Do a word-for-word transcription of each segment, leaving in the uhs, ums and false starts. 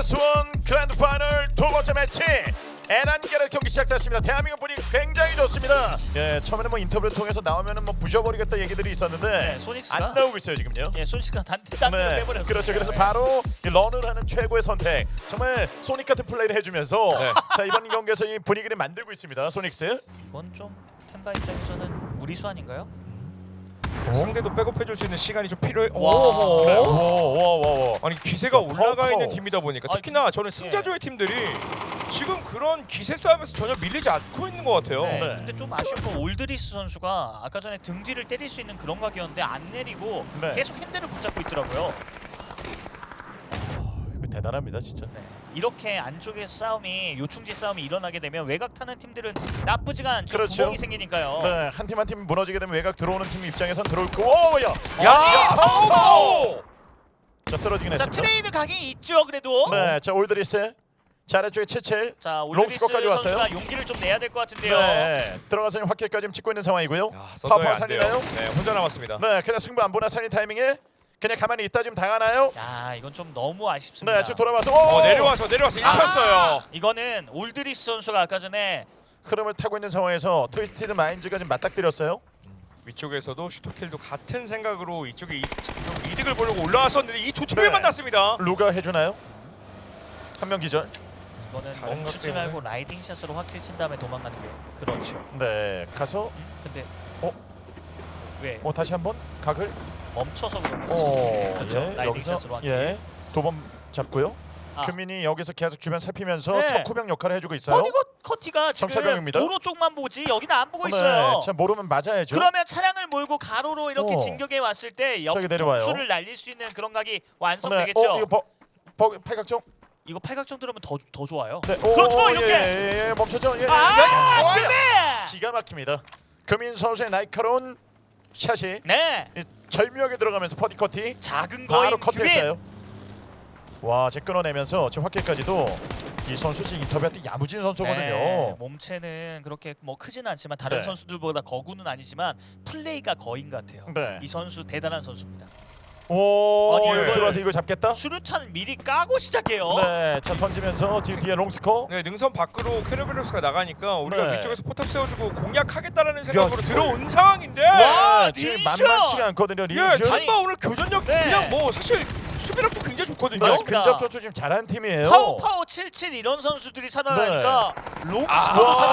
에스원 그랜드 파이널 두 번째 매치 에란겔의 경기 시작됐습니다. 대한민국 분위기 굉장히 좋습니다. 예, 처음에는 뭐 인터뷰를 통해서 나오면은 뭐 부셔버리겠다 얘기들이 있었는데 네, 소닉스가- 안 나오고 있어요 지금요. 예, 소닉스가 단테 단대로 네, 빼버렸어요. 그렇죠. 그래서 바로 이 런을 하는 최고의 선택. 정말 소닉 같은 플레이를 해주면서 네. 자 이번 경기에서 이 분위기를 만들고 있습니다. 소닉스. 이건 좀 템바 입장에서는 무리수 아닌가요? 상대도 백업해줄 수 있는 시간이 좀 필요해. 와. 오. 네. 오오오오. 아니 기세가 파워, 올라가 파워. 있는 팀이다 보니까 아, 특히나 그- 저는 승자조의 팀들이 지금 그런 기세 싸움에서 전혀 밀리지 않고 있는 것 같아요. 네. 네. 근데 좀 아쉬운 건 올드리스 선수가 아까 전에 등 뒤를 때릴 수 있는 그런 각이었는데 안 내리고 네. 계속 핸들을 붙잡고 있더라고요. 이거 대단합니다 진짜. 네. 이렇게 안쪽에서 싸움이 요충지 싸움이 일어나게 되면 외곽 타는 팀들은 나쁘지가 않죠. 그렇죠. 구멍이 생기니까요. 네, 한 팀 한 팀 무너지게 되면 외곽 들어오는 팀 입장에선 들어올 거. 오, 야. 야, 파워, 파워! 자 쓰러지긴 자 했습니다. 트레이드 각이 있죠 그래도. 네, 자 올드리스. 자 아래쪽에 칠칠. 자 올드리스 롱스코어까지 왔어요. 선수가 용기를 좀 내야 될 것 같은데요. 네, 들어가서 확킬까지 지금 찍고 있는 상황이고요. 야, 파파 썬더야 안 돼요. 살리나요? 네, 혼자 남았습니다. 네, 그냥 승부 안 보나 살린 타이밍에 그냥 가만히 있다 지금 당하나요? 야 이건 좀 너무 아쉽습니다. 네, 지금 돌아와서 오! 어, 내려와서 내려와서 아! 일켰어요. 이거는 올드리스 선수가 아까 전에 흐름을 타고 있는 상황에서 트위스티드 마인즈가 지금 맞닥뜨렸어요. 위쪽에서도 슈토킬도 같은 생각으로 이쪽에 이, 지금 이득을 보려고 올라왔었는데 이 두 팀을 네. 만났습니다. 루가 해주나요? 한 명 기절. 이거는 다른 것 멈추지 때문에? 말고 라이딩 샷으로 확킬 친 다음에 도망가는 게 그렇죠. 네, 가서 음? 근데 어? 왜 어 다시 한번 각을. 멈춰서 그런 거지? 어, 그렇죠. 예, 라이딩 여기서 샷으로 확킬. 예, 도범 잡고요. 아. 규민이 여기서 계속 주변 살피면서 네. 척후병 역할을 해주고 있어요. 커티가 커티가 지금 정찰병입니다. 도로 쪽만 보지 여기는 안 보고 있어요. 네, 자 모르면 맞아야죠. 그러면 차량을 몰고 가로로 이렇게 어. 진격해 왔을 때 저기 내려와요. 옆수를 날릴 수 있는 그런 각이 네, 완성되겠죠. 어, 이거 버, 버, 팔각정. 이거 팔각정 들어오면 더 더 좋아요. 네, 오, 그렇죠, 오, 이렇게. 예, 예, 예, 멈췄죠. 예, 예, 아, 예, 좋아요. 그래! 기가 막힙니다. 금인 선수의 날카로운 샷이 네. 이 절묘하게 들어가면서 퍼디 커티 작은 바로 거인 커트했어요. 와, 지금 끊어내면서 지금 확킬까지도 이 선수 지금 인터뷰할 때 야무진 선수거든요. 네, 몸체는 그렇게 뭐 크지는 않지만 다른 네. 선수들보다 거구는 아니지만 플레이가 거인 같아요. 네. 이 선수 대단한 선수입니다. 오, 아니, 여기 이걸- 들어와서 이거 잡겠다. 수류탄 미리 까고 시작해요. 네, 자 던지면서 뒤 뒤에 롱스코. 네, 능선 밖으로 캐르베로스가 나가니까 우리가 네. 위쪽에서 포탑 세워주고 공략하겠다라는 생각으로 야, 들어온 상황인데 와, 네, 지금 리슈! 만만치가 않거든요. 예, 리슈. 아니- 탐바 오늘 교전력 네. 그냥 뭐 사실 수비력도 굉장히 좋거든요. 네, 맞습니다. 근접 조초 지금 잘하는 팀이에요. 파워 파워 칠칠 이런 선수들이 살아나니까 롱스코도 와,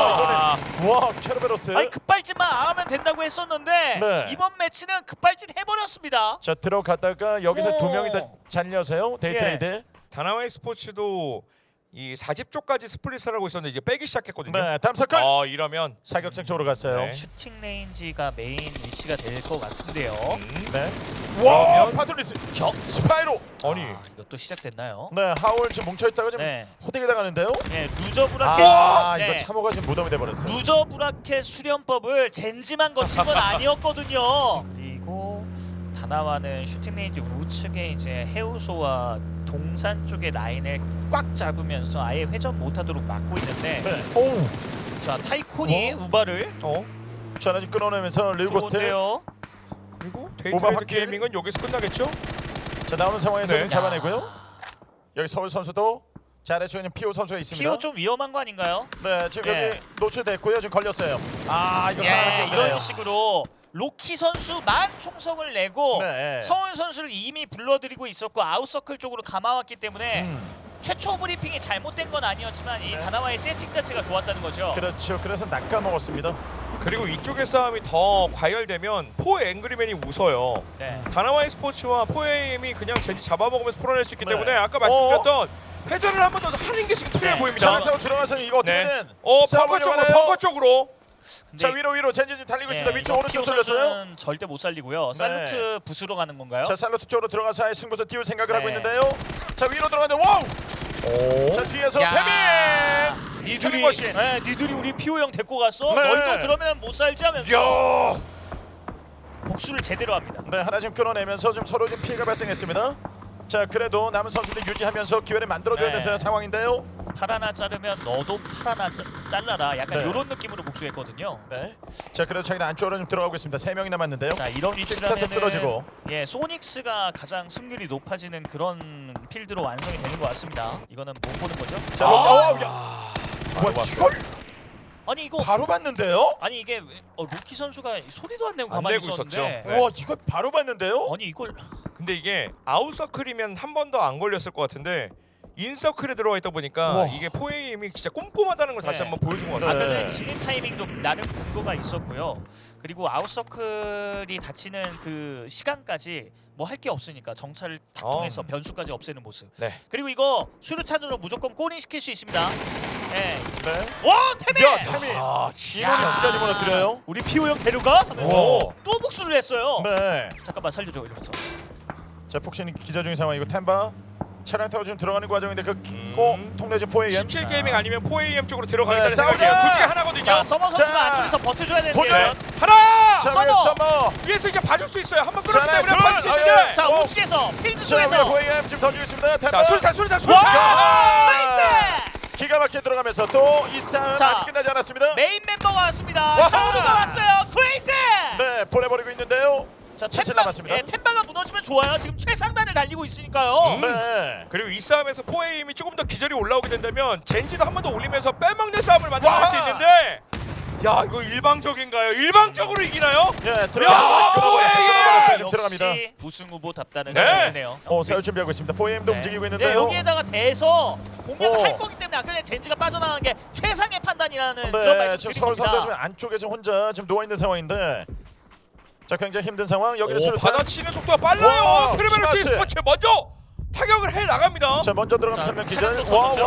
살아나고 와, 캐르베로스. 아니 급발진만 안 하면 된다고 했었는데 네. 이번 매치는 급발진 해버렸습니다. 자 들어갔다가 여기서 두 오. 명이 다 잘려서요. 데이트레이드. 예. 다나와이 스포츠도 이 사집 쪽까지 스플릿을 하고 있었는데 이제 빼기 시작했거든요. 네, 다음 사건. 아 이러면 사격장 쪽으로 갔어요. 네. 슈팅 레인지가 메인 위치가 될 것 같은데요. 음. 네. 와, 그러면- 파트리스. 격. 스파이로. 아니 아, 이것도 시작됐나요? 네, 하울 지금 뭉쳐 있다가 지금 네. 호되게 당하는데요. 네, 루저브라켓. 아, 네. 이거 참호가 지금 무덤이 돼 버렸어요. 루저브라켓 수련법을 젠지만 거친 건 아니었거든요. 그리고 다나와는 슈팅 레인지 우측에 이제 해우소와 동산 쪽의 라인을 꽉 잡으면서 아예 회전 못하도록 막고 있는데 네. 오. 자 타이콘이 어? 우바를 어 자, 하나 지금 끊어내면서 릴고스트. 좋은데요. 그리고 오바 데이트레이드 확킬. 게이밍은 여기서 끝나겠죠? 자, 나오는 상황에서 네. 좀 잡아내고요. 여기 서울 선수도 자, 아래쪽에 있는 피오 선수가 있습니다. 피오 좀 위험한 거 아닌가요? 네, 지금 예. 여기 노출됐고요. 지금 걸렸어요. 아, 이거 예, 상황이 좀 이런 그래요. 식으로 로키 선수만 총성을 내고 네. 서울 선수를 이미 불러들이고 있었고 아웃서클 쪽으로 감아왔기 때문에 음, 최초 브리핑이 잘못된 건 아니었지만 이 네. 다나와의 세팅 자체가 좋았다는 거죠. 그렇죠. 그래서 낚아 먹었습니다. 그리고 이쪽의 싸움이 더 과열되면 포 앵그리맨이 웃어요. 네. 다나와이 스포츠와 포에임이 그냥 젠지 잡아먹으면서 풀어낼 수 있기 네. 때문에 아까 말씀드렸던 회전을 한 번 더 하는 게 지금 필요해 네. 보입니다. 자, 타고 들어가서는 이거 네. 어떻게든 어 싸움을 펑커 쪽으로 이어가나요? 펑커 쪽으로. 근데 자, 위로 위로 젠지 지금 달리고 있습니다. 네, 위쪽 이거 오른쪽 피오 쏠렸어요. 선수는 절대 못 살리고요. 살루트 부수러 가는 건가요? 자, 살로트 쪽으로 들어가서 아예 승부수 띄울 생각을 하고 네. 있는데요. 자, 위로 들어가는데 와우! 오. 자, 뒤에서 야. 태민! 니들이 태민 머신. 네, 니들이 우리 피오 형 데리고 갔어? 네. 너희도 그러면 못 살지 하면서 야! 복수를 제대로 합니다. 네, 하나 지금 끊어내면서 좀 서로 좀 피해가 발생했습니다. 자, 그래도 남은 선수들 유지하면서 기회를 만들어줘야 네. 되는 상황인데요. 팔 하나 자르면 너도 팔 하나 자, 잘라라. 약간 네. 이런 느낌으로 복수했거든요. 네. 자, 그래도 자기는 안쪽으로 좀 들어가고 있습니다. 세 명이 남았는데요. 자 이런 킥스타트 위치라면 쓰러지고. 예 소닉스가 가장 승률이 높아지는 그런 필드로 완성이 되는 것 같습니다. 이거는 못 보는 거죠? 자, 아, 어, 야. 바로 뭐야, 봤어요. 이걸 아니 이거 바로 봤는데요? 아니 이게 왜- 어, 루키 선수가 소리도 안 내고 안 가만히 내고 있었는데 있었죠. 네. 와, 이걸 바로 봤는데요? 아니 이걸 근데 이게 아웃서클이면 한 번 더 안 걸렸을 것 같은데 인서클에 들어와 있다 보니까 우와. 이게 포에임이 진짜 꼼꼼하다는 걸 다시 네. 한번 보여준 것 네. 같아요. 아까 전에 진입 타이밍도 나름 근거가 있었고요. 그리고 아웃서클이 닫히는 그 시간까지 뭐 할 게 없으니까 정찰을 다 어. 통해서 변수까지 없애는 모습. 네. 그리고 이거 수류탄으로 무조건 골인 시킬 수 있습니다. 네. 네. 와 태민! 야, 태민. 아, 이노니 시간이 무너뜨려요. 우리 피오 형 데려가? 하면서 오. 또 복수를 했어요. 네. 잠깐만 살려줘 이러면서. 자, 폭신이 기자 중인 상황이고 템바 차량 타고 지금 들어가는 과정인데 그 음. 고 통내진 포에이엠. 십칠 게이밍 아니면 포에이엠 쪽으로 들어가겠다는 네, 생각이에요. 싸우자! 둘 중에 하나거든요. 자 서머 선수가 자, 안쪽에서 버텨줘야 되는데. 도전! 하나! 자, 서머! 위에 서머. 위에서 이제 봐줄 수 있어요. 한 번 자, 끌었기 때문에 둘! 봐줄 수 아, 있는데. 예. 자 어. 우측에서 필드 자, 위에 쪽에서. 포에이엠 지금 던지고 있습니다. 템바. 자, 수류탄, 수류탄, 수류탄! 와! 나이스! 기가 막히게 들어가면서 또 이 싸움 자, 아직 끝나지 않았습니다. 메인 멤버가 왔습니다. 와하! 서우드가 왔어요. 크레이지! 네, 보내버리고 있는데요. 자 칠칠 템바, 남았습니다. 예, 템바가 무너지면 좋아요. 지금 최상단을 달리고 있으니까요. 음. 네. 그리고 이 싸움에서 포에임이 조금 더 기절이 올라오게 된다면 젠지도 한 번 더 올리면서 빼먹는 싸움을 만들어낼 와! 수 있는데 야 이거 일방적인가요? 일방적으로 이기나요? 예, 야, 들어가서 끌어버렸어요. 끌어버렸어요. 지금 들어갑니다. 역시 우승 후보답다는 네. 생각이네요. 어, 싸울 준비하고 있습니다. 포에이엠도 움직이고 네, 있는데요. 여기에다가 대서 공략을 오. 할 거기 때문에 아까 전에 젠지가 빠져나간 게 최상의 판단이라는 그런 네, 말씀 지금 드린 서울 선수 지금 겁니다. 안쪽에서 혼자 지금 누워 있는 상황인데, 자 굉장히 힘든 상황. 여기를 오, 수류탄. 받아치는 속도가 빨라요. 와, 트리베르스 키마스. 스포츠 먼저 타격을 해 나갑니다. 자 먼저 들어가면 자, 한명 차량도 기절. 터졌죠?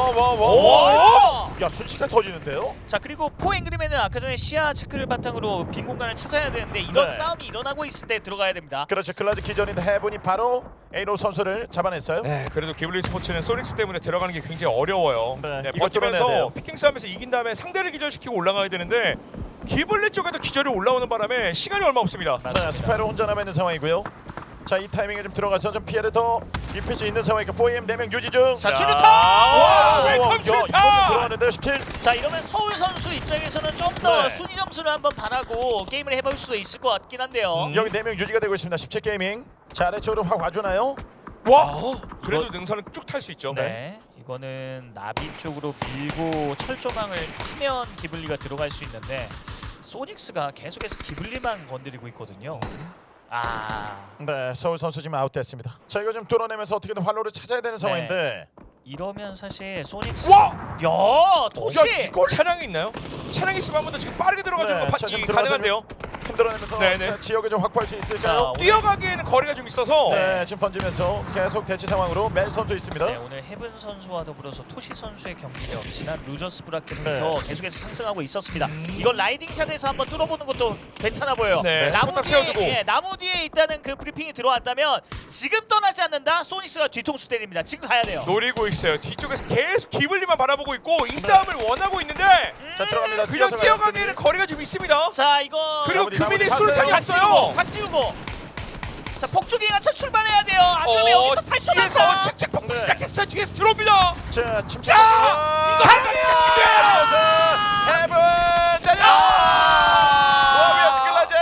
와와와와. 오! 야 순식간에 터지는데요. 자 그리고 포앵그리맨은 아까 전에 시야 체크를 바탕으로 빈 공간을 찾아야 되는데 이런 네. 싸움이 일어나고 있을 때 들어가야 됩니다. 그렇죠. 클라즈 기전인데 해븐이 바로 에이노 선수를 잡아냈어요. 네, 그래도 기블리 스포츠는 소닉스 때문에 들어가는 게 굉장히 어려워요. 네, 네, 이거 뚫어내야 돼요. 버티면서 피킹 싸움에서 이긴 다음에 상대를 기절시키고 올라가야 되는데 기블리 쪽에도 기절이 올라오는 바람에 시간이 얼마 없습니다. 맞습니다. 네, 스파이로 혼자 남아 있는 상황이고요. 자 이 타이밍에 좀 들어가서 좀 피해를 더 입힐 수 있는 상황이니까 포에이엠 네 명 유지 중. 자 자, 수류탄! 와, 웰컴 야, 수류탄! 이거 들어가는데 십칠. 자 이러면 서울 선수 입장에서는 좀 더 네. 순위 점수를 한번 바라고 게임을 해볼 수도 있을 것 같긴 한데요. 음. 여기 네 명 유지가 되고 있습니다. 십칠 게이밍. 자 아래쪽으로 확 와주나요? 와, 그래도 능선은 쭉 탈 수 있죠. 네. 이거는 나비 쪽으로 밀고 철조망을 타면 기블리가 들어갈 수 있는데 소닉스가 계속해서 기블리만 건드리고 있거든요. 아 네, 서울 선수 지금 아웃됐습니다. 자 이거 좀 뚫어내면서 어떻게든 활로를 찾아야 되는 상황인데. 이러면 사실 소닉스 와! 야 토시 야, 이걸 차량이 있나요? 차량이 있으면 한 번 더 지금 빠르게 들어가주는 네, 건 자, 파- 좀 이 들어가서 가능한데요. 흔들어내면서 네네. 자, 지역을 좀 확보할 수 자, 있을까요? 오늘- 뛰어가기에는 거리가 좀 있어서 네, 지금 던지면서 계속 대치 상황으로 멜 선수 있습니다. 네, 오늘 헤븐 선수와 더불어서 토시 선수의 경기력 지난 루저스 브라켓부터 네. 계속해서 상승하고 있었습니다. 음. 이건 라이딩샷에서 한번 뚫어보는 것도 괜찮아 보여요. 네, 나무 포탑 뒤에 세워두고. 예, 나무 뒤에 있다는 그 브리핑이 들어왔다면 지금 떠나지 않는다. 소닉스가 뒤통수 때립니다. 지금 가야 돼요. 노리고 있어요. 뒤쪽에서 계속 기블리만 바라보고 있고 이 싸움을 원하고 있는데 자 들어갑니다. 그냥 뛰어서 뛰어가기에는 거리가 좀 있습니다. 자 이거 그리고 나머지, 규민이 나머지 수류탄이 가세요. 없어요. 곽지우고 곽지우고 자 폭주기 가차 출발해야 돼요. 안 그러면 어, 여기서 뒤에서 탈출한다. 책책 폭풍 네. 시작했어요. 뒤에서 들어옵니다. 자 침착. 자, 이거 한 방에 죽여요. 해븐 때려. 아! 와비아스 클라즈.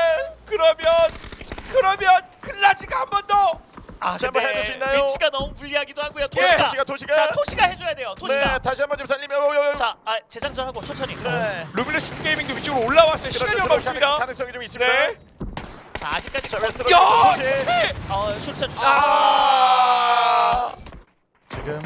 그러면 그러면 클라시가 한 번 더. 아 자, 한번 해줄 수 있나요? 위치가 너무 불리하기도 하고요. 예. 토시가 도시가 도시가. 자 토시가 해줘야 돼요. 토시가 네, 다시 한번 좀 살리면. 자 아, 재장전하고 천천히. 네. 루미너 시티 게이밍도 위쪽으로 올라왔어요. 시간이 그렇죠, 얼마 들어갈 없습니다. 가능성이 좀 있습니다. 네. 자 아직까지 자 거- 웨스트로 야, 도시. 네. 어, 수류탄 주자. 아. 지금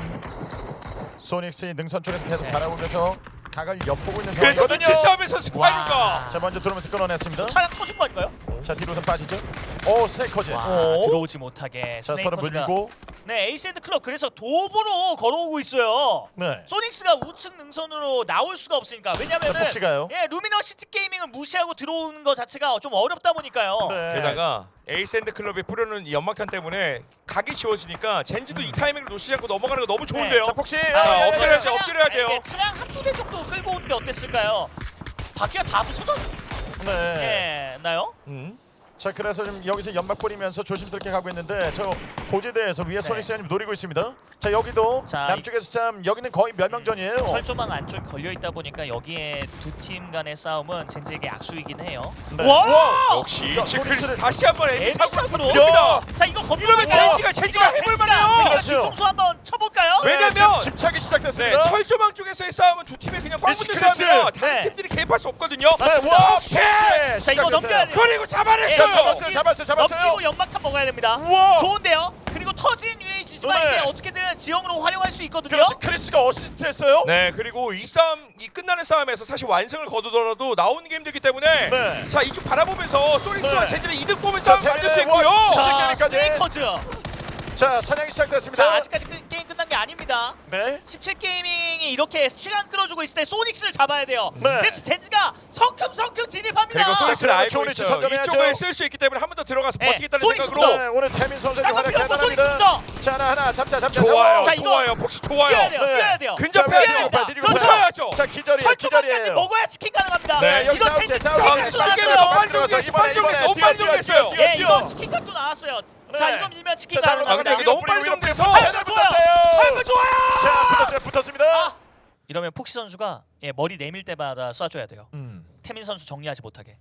소닉스의 능선 쪽에서 계속 네. 바라보면서 각을 엿보고 있는 그래서 상황이거든요. 눈치 싸움에서 스파이루가 와. 자 먼저 들어오면서 끊어냈습니다. 차량 터진 거 아닌가요? 자 뒤로선 빠지죠. 오 스네이커즈. 와 어? 들어오지 못하게 자 서로 스네이커즈가 물리고. 네 에이스앤드 클럽 그래서 도보로 걸어오고 있어요. 네. 소닉스가 우측 능선으로 나올 수가 없으니까 왜냐면은 자, 폭시가요? 예 루미너시티 게이밍을 무시하고 들어오는 거 자체가 좀 어렵다 보니까요. 네. 게다가 에이스앤드 클럽이 뿌려놓은 이 연막탄 때문에 각이 지워지니까 젠지도 이 타이밍을 놓치지 않고 넘어가는 거 너무 좋은데요. 자 폭시. 아, 아, 엎드려야죠. 차량- 엎드려야 돼요. 예, 차량 한두 대 정도 끌고 온 게 어땠을까요? 바퀴가 다 부서졌 네. 예, 나요? 음. 자 그래서 지금 여기서 연막 뿌리면서 조심스럽게 가고 있는데 저 고지대에서 위에 소닉스가 좀 노리고 있습니다. 자 여기도 자, 남쪽에서 참 여기는 거의 멸망전이에요. 철조망 안쪽에 걸려 있다 보니까 여기에 두 팀 간의 싸움은 젠지에게 악수이긴 해요. 네. 와! 역시 야, 치크리스 소닉스를- 다시 한번 에미 사고 에미사고로? 니다 자 이거 건드려 이러면 젠지가 젠지가 해볼 만해요. 그렇죠. 뒤통수 한번 쳐볼까요? 왜- 왜냐면- 지금 집착이 네, 시작됐습니다. 철조망 쪽에서의 싸움은 두 팀의 그냥 꽉 붙는 미치크리스! 싸움이라 다른 네. 팀들이 개입할 수 없거든요. 맞습니다. 와, 혹시- 자 이거 넘겨야 돼요. 그리고 잡아냈어요. 자, 잡았어요, 잡았어요, 잡았어요. 넘기고 연막탄 먹어야 됩니다. 우와. 좋은데요. 그리고 터진 유에이지지만 네. 이게 어떻게든 지형으로 활용할 수 있거든요. 그렇지 크리스가 어시스트했어요. 네, 그리고 이 싸움, 이 끝나는 싸움에서 사실 완승을 거두더라도 나오는 게 힘들기 때문에 네. 자 이쪽 바라보면서 소닉스와 네. 젠지는 이득 보면 자, 싸움 만들 수 대회 있고요. 원. 자 게임까지. 스네이커즈. 자 사냥이 시작됐습니다. 자 아직까지 그, 게임 끝난 게 아닙니다. 네. 십칠 게이밍이 이렇게 시간 끌어주고 있을 때 소닉스를 잡아야 돼요. 네. 그래서 젠지가 성큼성큼 진입합니다. 그리고 소닉스를 자, 알고 좋은 위치 있어요. 선점해야죠. 이쪽을 쓸 수 있기 때문에 한 번 더 들어가서 네, 버티겠다는 소닉스부터. 생각으로 네, 오늘 태민 선수의 깜짝 활약 놀랐어, 대단합니다. 소닉스부터. 자 하나 하나 잡자 잡자. 좋아요, 자, 이거 좋아요, 복시 뛰어야 좋아요. 돼요. 네. 뛰어야 돼요. 근접해야 뛰어야 돼요. 됩니다. 뒤로 그렇죠. 보셔야죠. 자 기절이에요. 철조망까지 기절이에요. 먹어야 치킨 가능합니다. 네, 여기 이거 싸울게, 젠지 싸울게. 치킨 자, 가도 싸울게. 나왔어요. 너무 빨리 들어가서 정리했어, 빨리 이번에, 정리했어, 너무 이번에 빨리 뛰어, 정리했어요. 뛰어, 예, 뛰어. 이거 치킨값도 나왔어요. 자, 네. 이거 밀면 치킨 자, 가능. 자, 아, 근데 여기 너무 빨리 정리해서 패널 붙었어요. 팔 좋아요. 자 붙었어요. 붙었습니다. 아, 이러면 폭시 선수가 예, 머리 내밀 때마다 쏴줘야 돼요. 음. 태민 선수 정리하지 못하게.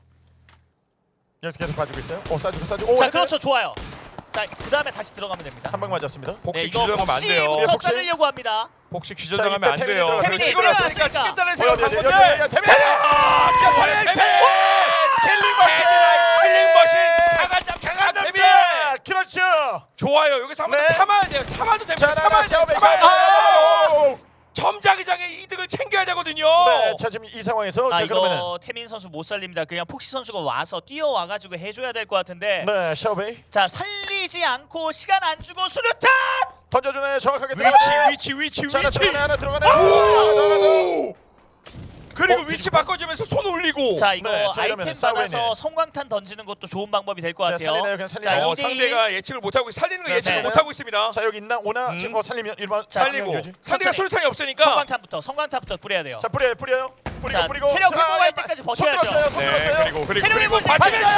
여기서 계속 봐주고 있어요. 오 쏴주고 쏴주고. 오, 자, 헤드. 그렇죠, 좋아요. 자, 그 다음에 다시 들어가면 됩니다. 한 방 맞았습니다. 복시 네, 이거 기절하면 안 돼요. 예, 폭시부터 복시. 자르려고 합니다. 복시 자, 기절하면 이때 안 태민이 돼요. 들어갔어요. 그리고 태민이 찍어놨으니까 들어갔으니까. 찍겠다는 어디 생각 어디 한 어디 건데. 어디 태민. 자 태민 태민. 킬링 머신. 킬링 머신. 강한 남자 강한 태민. 남자. 그렇죠. 좋아요. 여기서 한 번 더 네. 참아야 돼요. 참아도 자 됩니다. 나가 참아야 돼요. 싸움에 참아야 돼요. 싸움. 점자기장의 이득을 챙겨야 되거든요. 네, 자 지금 이 상황에서 아, 자 이거 그러면은 태민 선수 못 살립니다. 그냥 폭시 선수가 와서 뛰어와가지고 해줘야 될 것 같은데. 네 샤오베이 자, 살리지 않고 시간 안 주고 수류탄! 던져주네 정확하게 위치 들어가네요. 위치 위치 자 하나 위치. 들어가네 하나 들어가네. 하나 더, 하나 더. 오! 그리고 어, 위치 바꿔주면서 손 올리고. 자, 이거 네, 자, 이러면 아이템 싸우네. 받아서 성광탄 던지는 것도 좋은 방법이 될 것 네, 같아요. 살리네요, 그냥 살리네요. 자, 어, 이 대 일. 상대가 예측을 못하고 살리는 거 네, 예측을 네. 못하고 있습니다. 자 여기 있나 오나 음. 지금 뭐 살리면 일반 살리고 상대가 천천히. 수류탄이 없으니까. 성광탄부터 성광탄부터 뿌려야 돼요. 자 뿌려요 뿌려요 뿌리고 자, 뿌리고 체력 자, 회복할 야, 때까지 손 버텨야죠. 들었어요 손 네, 들었어요. 그리고 그리고 체력이 그리고 볼 때- 받으면서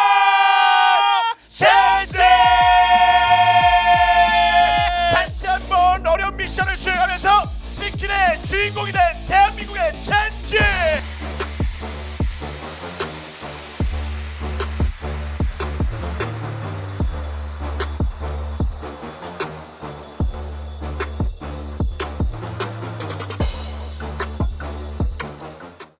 젠지 다시 한번 어려운 미션을 수행하면서 치킨의 주인공이 된 대한민국의 젠지